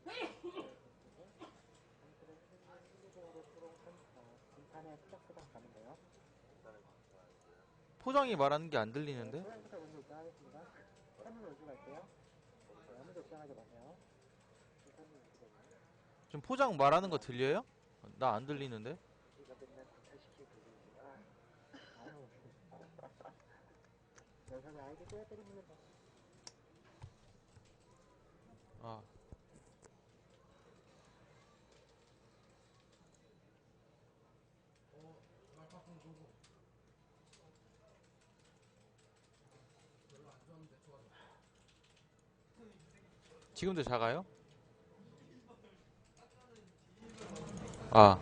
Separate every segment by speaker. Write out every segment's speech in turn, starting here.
Speaker 1: 포장이 말하는 게 안 들리는데? 지금 포장 말하는 거 들려요? 나 안 들리는데? 아. 지금도 작아요? 아.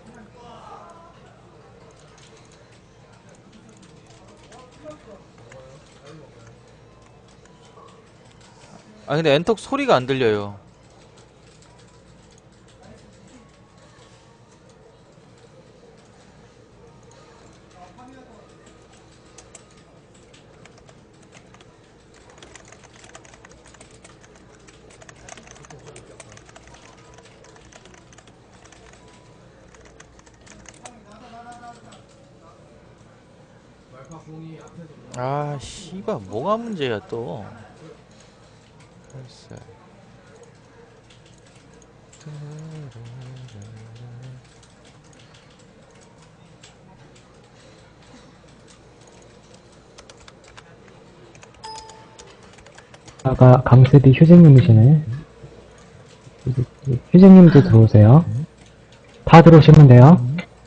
Speaker 1: 아 근데 엔톡 소리가 안 들려요. 아 씨발 뭐가 문제야 또. 글쎄.
Speaker 2: 아까 강세디 휴재님이시네. 휴재님도 들어오세요. 다 들어오시면 돼요.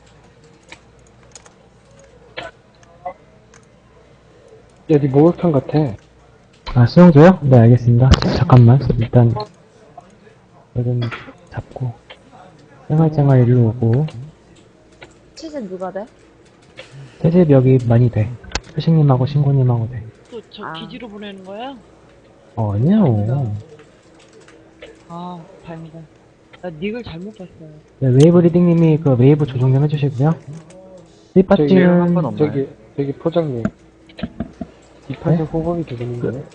Speaker 3: 여기 목욕탕 같아.
Speaker 2: 아, 수영조요? 네, 알겠습니다. 잠깐만. 일단, 이건 잡고. 쨍알쨍알 일로 오고.
Speaker 4: 치즈 누가 돼?
Speaker 2: 세집 여기 많이 돼. 휴식님하고 신고님하고 돼.
Speaker 5: 또 저 기지로 보내는 거야?
Speaker 2: 아니요.
Speaker 5: 아, 다행이다. 나 닉을 잘못 봤어요.
Speaker 2: 네, 웨이브 리딩님이 그 웨이브 조정 좀 해주시고요. 이 파티는,
Speaker 3: 저기 포장님. 이 파티 호박이 되겠는데?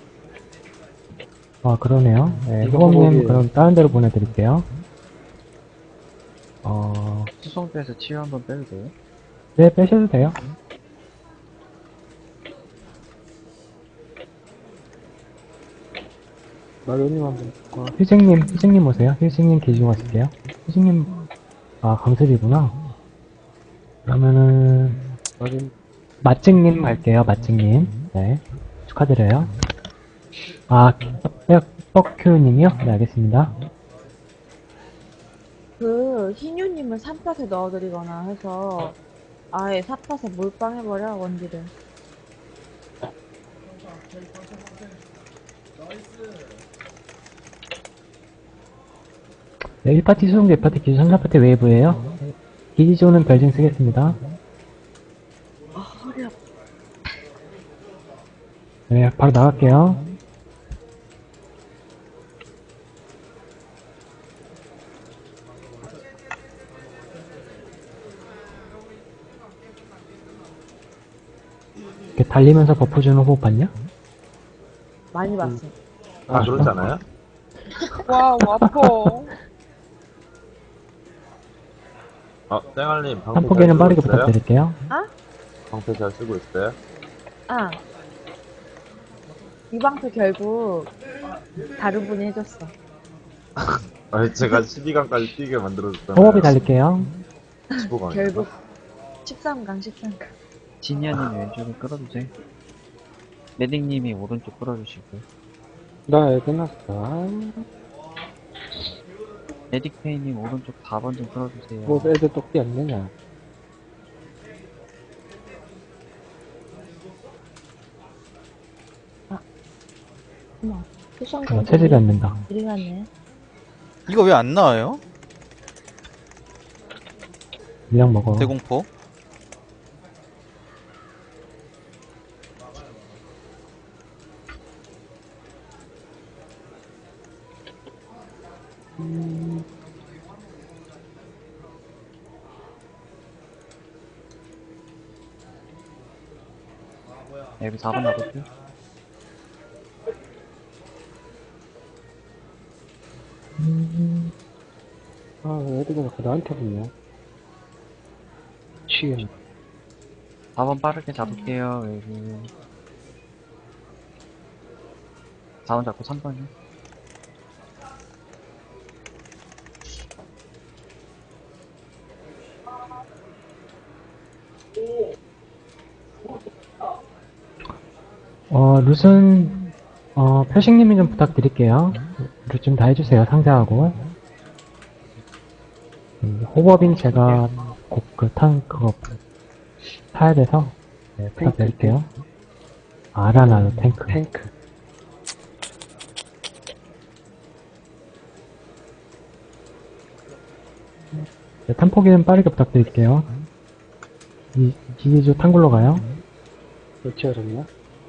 Speaker 2: 그러네요. 네,
Speaker 3: 이거
Speaker 2: 호범님,
Speaker 3: 호범이에요.
Speaker 2: 그럼 다른 데로 보내드릴게요.
Speaker 6: 수성 빼서 치유 한번 빼도 돼요?
Speaker 2: 네, 빼셔도 돼요.
Speaker 3: 마요님 한번.
Speaker 2: 휴식님 오세요. 휴식님 계시고 가실게요. 휴식님, 강습이구나. 그러면은,
Speaker 3: 마요님.
Speaker 2: 맛찍님 갈게요, 맛찍님. 네. 축하드려요. 뻑큐님이요? 네, 알겠습니다.
Speaker 4: 그 희뉴님을 3팟에 넣어드리거나 해서 아예 4팟에 몰빵해버려 원딜을.
Speaker 2: 네, 1파티 수송대 2파티 기준 3, 4파티 웨이브예요. 기지조는 별징 쓰겠습니다.
Speaker 4: 허리 아파.
Speaker 2: 네, 바로 나갈게요. 이렇게 달리면서 버프 주는 호흡 봤냐?
Speaker 4: 많이 봤어.
Speaker 7: 아, 그렇지 않아요?
Speaker 5: 와우, 아파.
Speaker 7: 땡알님, 방패
Speaker 2: 한
Speaker 7: 잘
Speaker 2: 포기는
Speaker 7: 쓰고
Speaker 2: 빠르게
Speaker 7: 있어요?
Speaker 2: 부탁드릴게요.
Speaker 7: 방패 잘 쓰고 있어요?
Speaker 4: 아. 이 방패 결국 다른 분이 해줬어.
Speaker 7: 아니, 제가 12강까지 뛰게 만들어줬잖아요.
Speaker 2: 호흡이 달릴게요.
Speaker 7: 15강이요.
Speaker 4: 결국 13강 13강.
Speaker 6: 지니아님이 왼쪽에 끌어주세요. 메딩님이 오른쪽 끌어주시고요.
Speaker 3: 나 애 끝났어.
Speaker 6: 메딕페이님 오른쪽 4번 좀 끌어주세요.
Speaker 3: 뭐 애들 똑띠 안 내냐?
Speaker 4: 어머, 쿠션
Speaker 2: 체질이 안 된다.
Speaker 4: 이리 갔네.
Speaker 1: 이거 왜 안 나와요?
Speaker 2: 물량 먹어.
Speaker 1: 대공포.
Speaker 6: 여기 4번 나갈게요.
Speaker 3: 아, 왜 애들이 자꾸 나한테 붙냐? 미치겠네.
Speaker 6: 4번 빠르게 잡을게요. 웨이브. 4번 잡고 3번이요.
Speaker 2: 룻은, 표식님이 좀 부탁드릴게요. 룻 좀 다 해주세요, 상자하고. 호버빈 제가 꼭 그거 타야 돼서, 네, 부탁드릴게요. 아라나도 탱크.
Speaker 3: 탱크.
Speaker 2: 네, 탄포기는 빠르게 부탁드릴게요. 기지조 탕굴로 가요.
Speaker 3: 어찌 알았냐?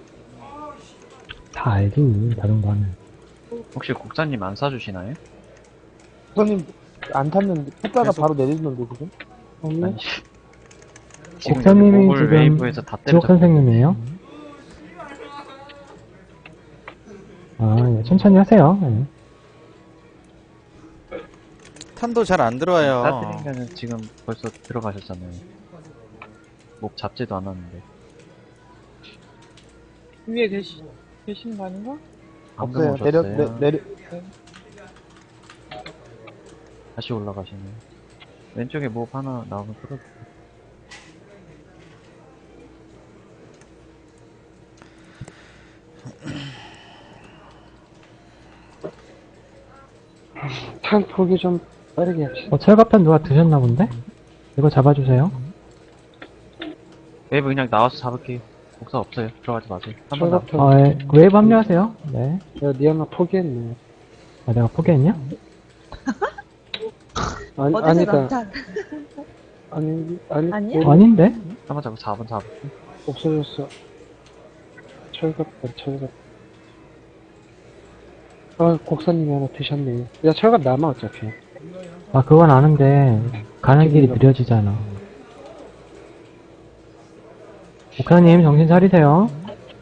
Speaker 2: 다 알지, 다른 거는.
Speaker 6: 혹시 국장님 안 사주시나요?
Speaker 3: 선생님, 안 탔는데, 탔다가
Speaker 1: 계속-
Speaker 3: 바로 내리는데, 지금? 없네?
Speaker 6: 아니, 지금
Speaker 2: 국장님이
Speaker 6: 목을
Speaker 2: 지금
Speaker 6: 웨이브에서 다
Speaker 2: 지옥
Speaker 6: 때려잡고
Speaker 2: 선생님이에요. 예, 천천히 하세요. 예.
Speaker 1: 탄도 잘 안 들어와요.
Speaker 6: 따뜻인가는 지금 벌써 들어가셨잖아요. 목 잡지도 않았는데.
Speaker 5: 위에 계시는 거 아닌가?
Speaker 6: 방금
Speaker 3: 없어요.
Speaker 6: 오셨어요.
Speaker 3: 내려.
Speaker 6: 다시 올라가시네요. 왼쪽에 목 하나 나오면 풀어주세요.
Speaker 3: 탄 포기 좀 빠르게 합시다.
Speaker 2: 철갑탄 누가 드셨나 본데? 이거 잡아주세요.
Speaker 6: 웨이브 그냥 나와서 잡을게요. 목사 없어요. 들어가지 마세요. 한번 나와.
Speaker 3: 철갑탄.
Speaker 2: 예, 웨이브 합류하세요. 네.
Speaker 3: 야, 니 하나 포기했네.
Speaker 2: 아, 내가 포기했냐?
Speaker 3: 아니,
Speaker 4: 어디서
Speaker 3: 아니다.
Speaker 4: 남탄?
Speaker 3: 아니,
Speaker 4: 아니야?
Speaker 2: 아닌데?
Speaker 6: 한번 잡고 4번 잡을게요.
Speaker 3: 없어졌어. 철갑. 아, 곡사님이 하나 드셨네. 야, 철갑 남아, 어차피.
Speaker 2: 아, 그건 아는데, 가는 길이 느려지잖아. 목사님, 정신 차리세요.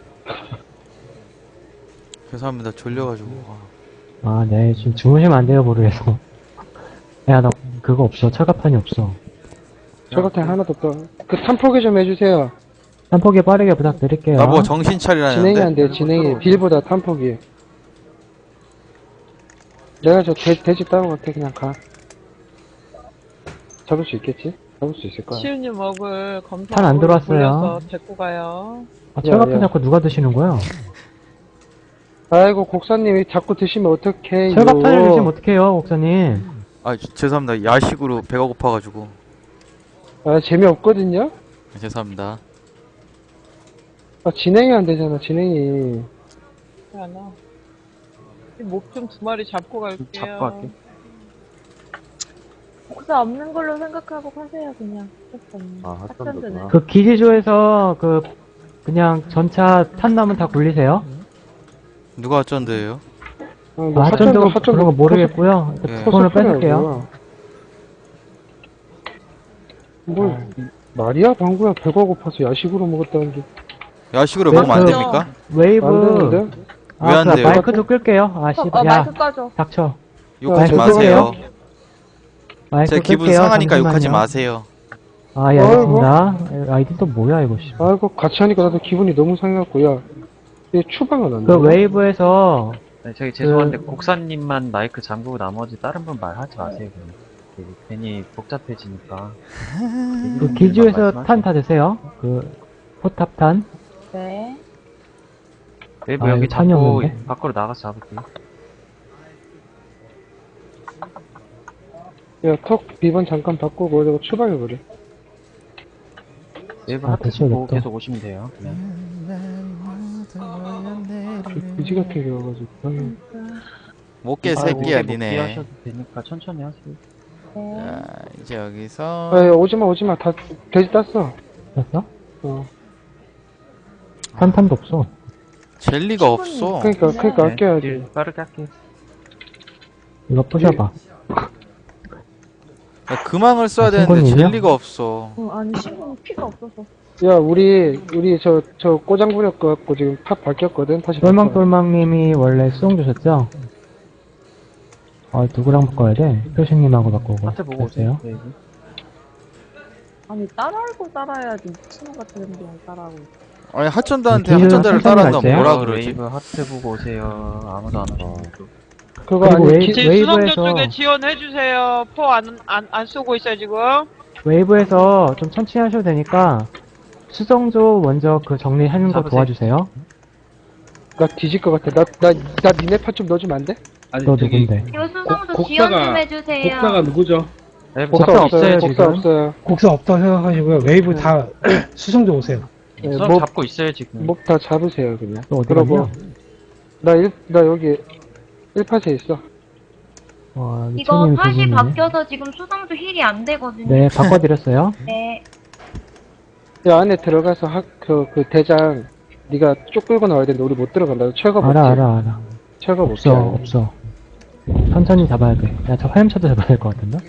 Speaker 1: 죄송합니다. 졸려가지고.
Speaker 2: 아, 네, 지금 주무시면 안 돼요, 모르겠어. 야, 나 그거 없어. 철갑탄이 없어.
Speaker 3: 철갑탄 하나 더 떠. 그 탄 포기 좀 해주세요.
Speaker 2: 딴포기 빠르게 부탁드릴게요.
Speaker 1: 나보고 정신 차리라는데.
Speaker 3: 진행이 안 돼요, 진행이. 빌보다 탄 포기. 내가 저 돼지 따로 갈게, 그냥 가. 잡을 수 있겠지? 잡을 수 있을 거야.
Speaker 5: 시우님 먹을 검사
Speaker 2: 탄안 들어왔어요.
Speaker 5: 돌려서 데리고 가요.
Speaker 2: 아, 철갑탄
Speaker 3: 야.
Speaker 2: 자꾸 누가 드시는 거야?
Speaker 3: 아이고, 곡사님이 자꾸 드시면 어떡해.
Speaker 2: 철갑탄을 드시면 어떡해요, 목사님?
Speaker 1: 아, 죄송합니다. 야식으로 배가 고파가지고.
Speaker 3: 아, 재미없거든요?
Speaker 1: 죄송합니다.
Speaker 3: 아, 진행이 안 되잖아, 진행이.
Speaker 5: 하나. 목 좀 2마리 잡고 갈게요.
Speaker 6: 잡고 갈게.
Speaker 4: 복사 없는 걸로 생각하고 가세요, 그냥.
Speaker 7: 아, 핫산도구나.
Speaker 2: 그 기지조에서 그냥 전차 탄 나면 다 굴리세요?
Speaker 1: 누가 어쩐데요?
Speaker 3: 뭐
Speaker 2: 아, 핫전도 그런 거 모르겠고요.
Speaker 1: 예.
Speaker 2: 폰을 뺏을게요.
Speaker 3: 뭘, 말이야, 방구야. 배가 고파서 야식으로 먹었다는 게.
Speaker 1: 야식으로
Speaker 2: 네,
Speaker 1: 먹으면 안
Speaker 2: 그-
Speaker 1: 됩니까?
Speaker 3: 안
Speaker 2: 웨이브.
Speaker 3: 되는데?
Speaker 1: 왜안 돼요?
Speaker 2: 마이크도 끌게요. 아, 씨발. 야,
Speaker 4: 마이크 꺼줘.
Speaker 2: 닥쳐.
Speaker 1: 욕하지
Speaker 3: 아,
Speaker 1: 마세요.
Speaker 2: 마이크
Speaker 1: 제 기분
Speaker 2: 끌게요.
Speaker 1: 상하니까 욕하지
Speaker 2: 잠시만요.
Speaker 1: 마세요.
Speaker 2: 아, 예, 알겠습니다. 아이디 또 뭐야, 이거, 씨.
Speaker 3: 아이고, 같이 하니까 나도 기분이 너무 상해갖고, 야. 얘 추방은 안 돼.
Speaker 2: 그 웨이브에서,
Speaker 6: 네, 저기 죄송한데 곡사님만 마이크 잠그고 나머지 다른 분 말하지 마세요. 그냥. 괜히 복잡해지니까.
Speaker 2: 그 기지조에서 탄 다 드세요. 포탑탄.
Speaker 4: 네.
Speaker 6: 웨이브
Speaker 2: 아,
Speaker 6: 여기
Speaker 2: 이거 탄이
Speaker 6: 잡고
Speaker 2: 없는데?
Speaker 6: 밖으로 나가서 잡을게요.
Speaker 3: 야, 턱 비번 잠깐 바꾸고, 저거 추방해버려.
Speaker 6: 웨이브
Speaker 2: 아,
Speaker 6: 하트
Speaker 2: 대체
Speaker 6: 찍고
Speaker 2: 냅둬.
Speaker 6: 계속 오시면 돼요. 그냥.
Speaker 3: 그지 같은 게 와가지고. 아유.
Speaker 1: 못깨
Speaker 6: 아이고,
Speaker 1: 새끼야,
Speaker 6: 못
Speaker 1: 니네.
Speaker 6: 피하셔도 되니까 천천히 하세요.
Speaker 4: 네.
Speaker 1: 자, 이제 여기서.
Speaker 3: 아, 야, 오지마. 다, 돼지 땄어.
Speaker 2: 됐어?
Speaker 3: 어.
Speaker 2: 탄탄도 없어.
Speaker 1: 젤리가 없어.
Speaker 3: 그니까
Speaker 6: 네,
Speaker 3: 아껴야지.
Speaker 6: 딜 빠르게 할게요.
Speaker 2: 이거 부셔봐.
Speaker 1: 야, 금왕을 써야
Speaker 2: 아,
Speaker 1: 되는데
Speaker 2: 신고님이요?
Speaker 1: 젤리가 없어.
Speaker 4: 아니, 신분 피가 없어서.
Speaker 3: 야, 우리 저 꼬장 부렸갖고 지금 탑 바뀌었거든? 다시 바꿔.
Speaker 2: 똘망똘망님이 원래 수송 주셨죠? 누구랑 바꿔야 돼? 표식님하고 바꾸고.
Speaker 6: 하트 보고 오세요. 네.
Speaker 4: 아니, 따라하고 따라야지. 미친놈 같은 게 따라하고.
Speaker 1: 아니 하천다한테
Speaker 2: 기준은
Speaker 1: 하천다를
Speaker 2: 천천히
Speaker 1: 따라한다
Speaker 2: 갈게요.
Speaker 1: 뭐라 그러지?
Speaker 6: 웨이브 하트 보고 오세요. 아무도 안 하고.
Speaker 3: 그거
Speaker 2: 그리고
Speaker 3: 아니,
Speaker 5: 지금
Speaker 2: 웨이브에서
Speaker 5: 수성조 쪽에 지원해주세요. 포 안 쏘고 있어요, 지금.
Speaker 2: 웨이브에서 좀 천천히 하셔도 되니까 수성조 먼저 그 정리하는 거
Speaker 6: 잡으세요.
Speaker 2: 도와주세요.
Speaker 3: 나 뒤질 것 같아. 나 니네 파 좀 넣어주면 안 돼?
Speaker 7: 아니
Speaker 2: 너
Speaker 7: 저기
Speaker 2: 누군데?
Speaker 8: 이거 수성조
Speaker 7: 곡-
Speaker 8: 지원
Speaker 7: 곡사가-
Speaker 8: 좀 해주세요.
Speaker 7: 곡사가 누구죠?
Speaker 6: 웨이브
Speaker 2: 곡사
Speaker 3: 곡사
Speaker 2: 없어요,
Speaker 3: 없어요. 곡사
Speaker 2: 지금?
Speaker 3: 없어요.
Speaker 9: 곡선 없다고 생각하시고요. 웨이브 다 수성조 오세요.
Speaker 3: 네,
Speaker 6: 수업
Speaker 3: 목,
Speaker 6: 잡고 있어요, 지금.
Speaker 3: 목 다 잡으세요, 그냥.
Speaker 2: 또 어디
Speaker 3: 그러고,
Speaker 2: 갔냐?
Speaker 3: 나 여기 1팟에 있어.
Speaker 2: 와,
Speaker 8: 이거
Speaker 2: 미친님이
Speaker 8: 팟이
Speaker 2: 두분이네.
Speaker 8: 바뀌어서 지금 수성조 힐이 안 되거든요.
Speaker 2: 네, 바꿔드렸어요.
Speaker 8: 네.
Speaker 3: 야, 안에 들어가서 그 대장, 네가 쭉 끌고 나와야 되는데, 우리 못 들어간다. 철거 못해.
Speaker 2: 알아.
Speaker 3: 철거 못해.
Speaker 2: 없어. 천천히 잡아야 돼. 야, 저 화염차도 잡아야 될 것 같은데?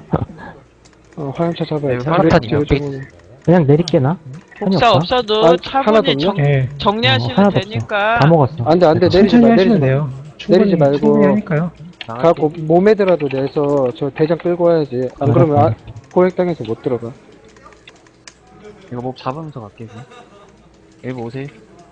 Speaker 3: 화염차 잡아야 돼.
Speaker 6: 네, 화염차는
Speaker 2: 그냥 내릴게, 나? 찬이
Speaker 5: 복사
Speaker 2: 없어?
Speaker 5: 없어도
Speaker 3: 하나도
Speaker 5: 차분히
Speaker 3: 없냐?
Speaker 9: 예.
Speaker 5: 정리하시면
Speaker 2: 하나도 없어.
Speaker 5: 되니까.
Speaker 2: 다 먹었어.
Speaker 3: 안 돼, 내리지
Speaker 9: 천천히
Speaker 3: 마,
Speaker 9: 하시면
Speaker 3: 내리지 마.
Speaker 9: 돼요. 충분히,
Speaker 3: 내리지 말고.
Speaker 9: 충분히 하니까요.
Speaker 3: 갖고 몸에더라도 내서 저 대장 끌고 와야지. 안 그러면 고액당해서 못 들어가.
Speaker 6: 이거 목 잡으면서 갈게요. 웨이브 오세요.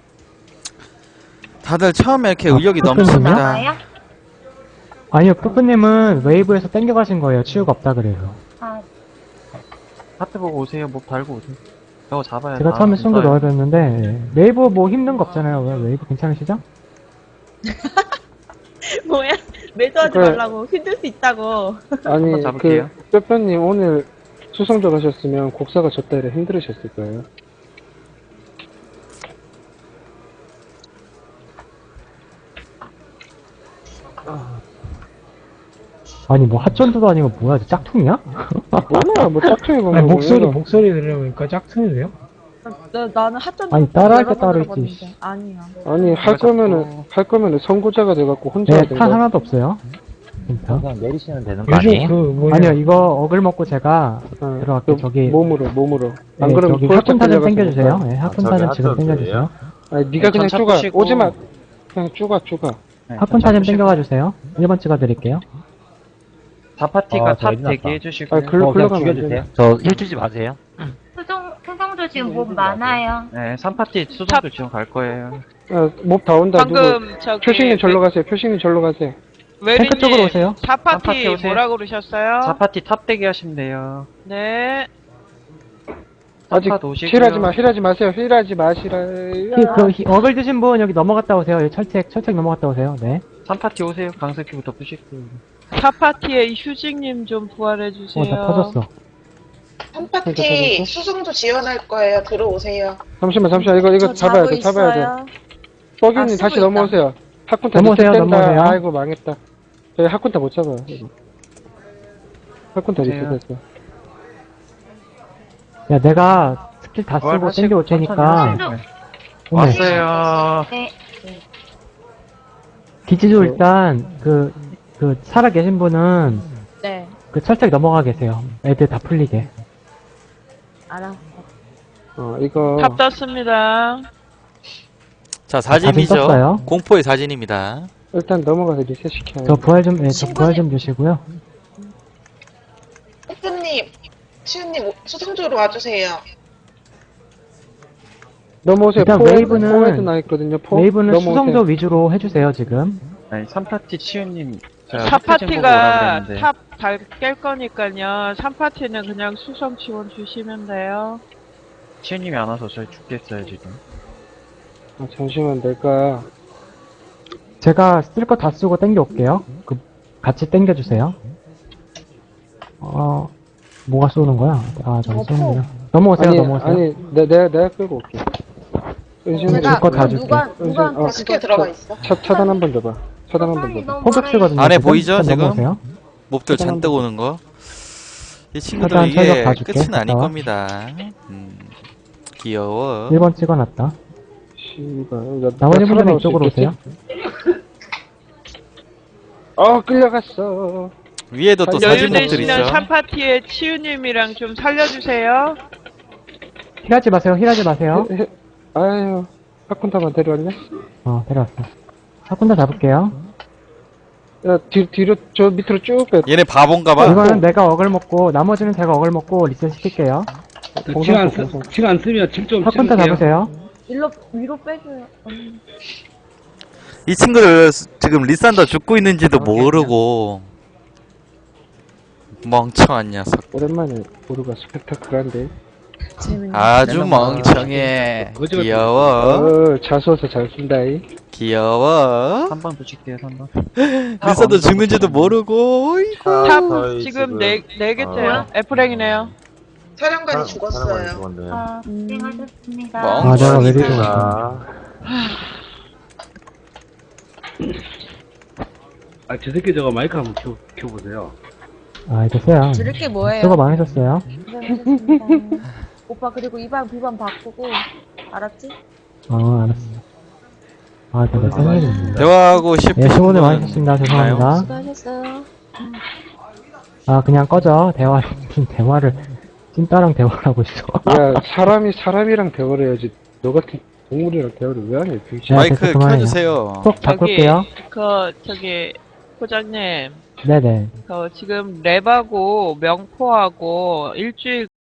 Speaker 1: 다들 처음에 이렇게
Speaker 2: 아,
Speaker 1: 의욕이
Speaker 2: 그렇군요.
Speaker 1: 넘칩니다.
Speaker 8: 나와요?
Speaker 2: 아니요, 푸푸님은 웨이브에서 땡겨가신 거예요. 치유가 없다 그래서.
Speaker 8: 아,
Speaker 6: 하트 보고 오세요. 목 달고 오세요. 저거 잡아야
Speaker 2: 제가 처음에 숨도 넣어드렸는데, 예. 웨이브 뭐 힘든 거 없잖아요. 왜 웨이브 괜찮으시죠?
Speaker 4: 뭐야? 매도하지
Speaker 3: 그래.
Speaker 4: 말라고. 힘들 수 있다고.
Speaker 3: 아니,
Speaker 6: 한번 잡을게요.
Speaker 3: 뼈뼈님 오늘 수성조 가셨으면 곡사가 졌다 이래 힘들으셨을 거예요.
Speaker 2: 아니, 뭐 핫전도도 아니고 뭐야, 저 짝퉁이야?
Speaker 3: 몰라, 뭐 짝퉁이 보면.
Speaker 9: 아니, 목소리 들으니까 짝퉁이 돼요?
Speaker 4: 나는 핫전
Speaker 2: 아니, 따라할 때 따로 있지.
Speaker 4: 아니야.
Speaker 3: 아니, 할 거면은 선구자가 돼갖고 혼자
Speaker 2: 네,
Speaker 3: 하든가.
Speaker 2: 탄 하나도 없어요. 진짜.
Speaker 7: 그냥 내리시면 되는 거
Speaker 9: 요즘
Speaker 7: 아니에요?
Speaker 9: 그 뭐냐.
Speaker 2: 아니요, 이거 어글 먹고 제가
Speaker 3: 어,
Speaker 2: 들어갈게요. 저기,
Speaker 3: 몸으로. 안
Speaker 2: 네,
Speaker 3: 그러면
Speaker 2: 저기
Speaker 3: 포획
Speaker 2: 학군타 좀
Speaker 3: 끌려가서
Speaker 2: 땡겨주세요.
Speaker 3: 못 가.
Speaker 2: 네, 학군타 좀 지금 땡겨주세요.
Speaker 3: 아니, 네가 그냥
Speaker 6: 전차
Speaker 3: 쪼가.
Speaker 6: 푸시고.
Speaker 3: 오지마. 그냥 쪼가.
Speaker 2: 학군타 좀 땡겨가 주세요. 1번 찍어드릴게요.
Speaker 6: 4파티가
Speaker 7: 저
Speaker 6: 탑
Speaker 7: 일어났다.
Speaker 6: 대기해주시고.
Speaker 3: 아, 글로 가면 안 돼.
Speaker 7: 저힐 주지 마세요.
Speaker 8: 수성조 지금 몹 많아요.
Speaker 6: 네, 3파티 수성조 지원 갈 거예요.
Speaker 3: 몹 다 온다. 누구?
Speaker 5: 방금 저기
Speaker 3: 표식님 절로 가세요. 표식님 절로 가세요.
Speaker 2: 탱크 쪽으로
Speaker 5: 웨리님
Speaker 2: 오세요.
Speaker 6: 4파티
Speaker 5: 4파티
Speaker 6: 오세요.
Speaker 5: 뭐라 그러셨어요?
Speaker 6: 4파티 탑 대기하시면 돼요.
Speaker 5: 네.
Speaker 3: 아직
Speaker 6: 4파 오시고요.
Speaker 3: 힐하지 마세요. 힐하지 마시라.
Speaker 2: 어글 드신 분 여기 넘어갔다 오세요. 여기 철책 넘어갔다 오세요. 네.
Speaker 6: 3파티 오세요. 강석기부터 푸시고.
Speaker 5: 4파티에 휴직님 좀 부활해주세요.
Speaker 2: 나 터졌어.
Speaker 3: 그러니까
Speaker 10: 3파티 수성도 지원할 거예요. 들어오세요.
Speaker 3: 잠시만. 이거 잡아야 돼. 뻐기님
Speaker 10: 쓰고
Speaker 3: 다시
Speaker 10: 있다.
Speaker 3: 넘어오세요. 학군타
Speaker 2: 넘어오세요,
Speaker 3: 리셋된다.
Speaker 2: 넘어오세요.
Speaker 3: 아이고, 망했다. 저희 학군타 못 잡아요. 이거. 학군타
Speaker 6: 오세요.
Speaker 3: 리셋했어.
Speaker 2: 야, 내가 스킬 다 쓰고 땡겨올 테니까.
Speaker 6: 천천히 하세요.
Speaker 2: 오늘
Speaker 6: 왔어요.
Speaker 8: 네.
Speaker 2: 기지도 일단, 살아 계신 분은,
Speaker 4: 네.
Speaker 2: 그 철책 넘어가 계세요. 애들 다 풀리게.
Speaker 4: 알아.
Speaker 3: 이거.
Speaker 5: 탑 떴습니다.
Speaker 1: 자
Speaker 2: 사진
Speaker 1: 사진이죠.
Speaker 2: 떴어요.
Speaker 1: 공포의 사진입니다.
Speaker 3: 일단 넘어가서 리셋 시켜요.
Speaker 2: 저 부활 좀 주시고요.
Speaker 10: 뽀뽀님, 치우님 수성조로 와주세요.
Speaker 3: 넘어오세요.
Speaker 2: 일단
Speaker 3: 포에도 나 있거든요.
Speaker 2: 웨이브는
Speaker 3: 넘어오세요.
Speaker 2: 수성조 위주로 해주세요, 지금.
Speaker 6: 아니, 3파티 치유님.
Speaker 5: 4파티가 탑 깰 거니까요. 3파티는 그냥 수성 지원 주시면 돼요.
Speaker 6: 치유님이 안 와서 저희 죽겠어요, 지금.
Speaker 3: 잠시만, 내가.
Speaker 2: 제가 쓸 거 다 쓰고 땡겨올게요. 같이 땡겨주세요. 뭐가 쏘는 거야? 저기 쏘는구나. 넘어오세요.
Speaker 3: 아니, 내가 끌고 올게. 은신이
Speaker 2: 줄거 다 줄게.
Speaker 4: 누구한테
Speaker 10: 스킬 들어가 있어.
Speaker 3: 차단 한 번 줘봐. 차단 한 번
Speaker 8: 소산이
Speaker 3: 줘봐.
Speaker 8: 너무
Speaker 2: 포격 쓰거든요.
Speaker 1: 안에
Speaker 2: 지금.
Speaker 1: 보이죠,
Speaker 2: 일단
Speaker 1: 지금?
Speaker 2: 넘어오세요.
Speaker 1: 몹들 잔뜩 오는 거. 이 친구들
Speaker 2: 일단
Speaker 1: 이게
Speaker 2: 철벽 봐줄게.
Speaker 1: 끝은 아닐
Speaker 2: 나와.
Speaker 1: 겁니다. 귀여워.
Speaker 2: 1번 찍어놨다.
Speaker 3: 씨발.
Speaker 2: 나머지 분들은 이쪽으로 오세요.
Speaker 3: 끌려갔어.
Speaker 1: 위에도 또
Speaker 3: 여유
Speaker 1: 사진 몹들
Speaker 5: 여유되시면
Speaker 1: 있죠.
Speaker 5: 3파티에 치유님이랑 좀 살려주세요.
Speaker 2: 힐하지 마세요.
Speaker 3: 아유, 학군타만 데려왔냐?
Speaker 2: 데려왔어. 사군다 잡을게요.
Speaker 3: 야, 뒤로, 저 밑으로 쭉 빼.
Speaker 1: 얘네 바본가봐.
Speaker 2: 이거는 내가 억을 먹고 나머지는 제가 억을 먹고 리셋 시킬게요.
Speaker 9: 지가 안 쓰면 질좀
Speaker 2: 팝콘타 잡으세요.
Speaker 4: 위로 빼줘요. 언니.
Speaker 1: 이 친구들 지금 리산더 죽고 있는지도 모르고 멍청한 녀석.
Speaker 3: 오랜만에 보루가 스펙타클한데.
Speaker 4: 재밌네.
Speaker 1: 아주 멍청해. 귀여워.
Speaker 3: 자소서 잘 쓴다이.
Speaker 1: 귀여워.
Speaker 6: 3번 붙일게요, 3번.
Speaker 1: 리산더 죽는지도 모르고. 어이구.
Speaker 5: 탑 지금 네 개째요. F랭이네요.
Speaker 10: 사령관이 죽었어요.
Speaker 8: 아, 고생하셨습니다.
Speaker 1: 멍.
Speaker 2: 아, 내가 왜 이러고
Speaker 9: 저 새끼 저거 마이크 한번 켜보세요.
Speaker 2: 아, 됐어요.
Speaker 4: 들을 게 뭐예요?
Speaker 2: 수고 많으셨어요.
Speaker 4: 고생하셨습니다. 오빠 그리고 2방, B방 바꾸고 알았지?
Speaker 2: 알았어. 아, 내가 생일인데.
Speaker 1: 대화하고 싶은
Speaker 2: 예, 수고들
Speaker 1: 분은
Speaker 2: 많으셨습니다. 죄송합니다.
Speaker 4: 수고하셨어요.
Speaker 2: 아, 그냥 꺼져. 대화를, 찐따랑 대화를 하고 있어.
Speaker 3: 야, 사람이랑 대화를 해야지. 너 같은 동물이랑 대화를 왜 하냐, 병신.
Speaker 2: 야,
Speaker 1: 마이크
Speaker 2: 됐어, 그만해요.
Speaker 1: 켜주세요.
Speaker 2: 꼭 바꿀게요.
Speaker 5: 저기 포장님
Speaker 2: 네네.
Speaker 5: 지금 랩하고 명포하고 일주일